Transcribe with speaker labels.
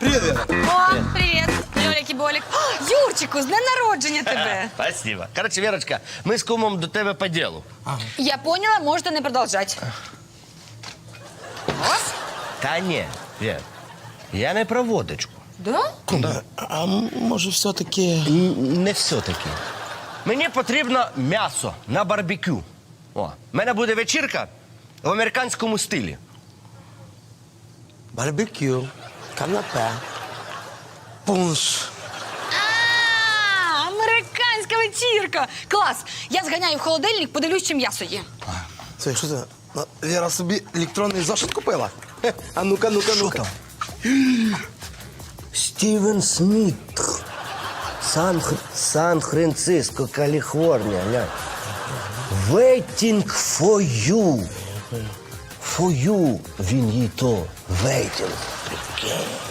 Speaker 1: Привіт, Віра.
Speaker 2: О, привіт, Льолік і Болік. О, Юрчику, з днем народження тебе.
Speaker 3: Спасибо. Короче, Верочка, ми з кумом до тебе по ділу.
Speaker 2: Я поняла, можете не продовжати. Ось?
Speaker 3: Та ні, Вер, я не про водочку.
Speaker 2: Да?
Speaker 1: А може все-таки...
Speaker 3: Не все-таки. Мені потрібно м'ясо на барбекю. О, в мене буде вечірка в американському стилі.
Speaker 1: Барбекю, канапе, пунш.
Speaker 2: Американська вечірка. Клас. Я зганяю в холодильник, подивлюсь, чи м'ясо є.
Speaker 1: Це що це? Віра собі електронний зошит купила? Хе, а ну-ка, ну-ка, ну-ка.
Speaker 3: Стівен Сміт. Сан-Франциско, Каліфорнія. Глянь. Waiting for you. For you. Він їй то. Waiting.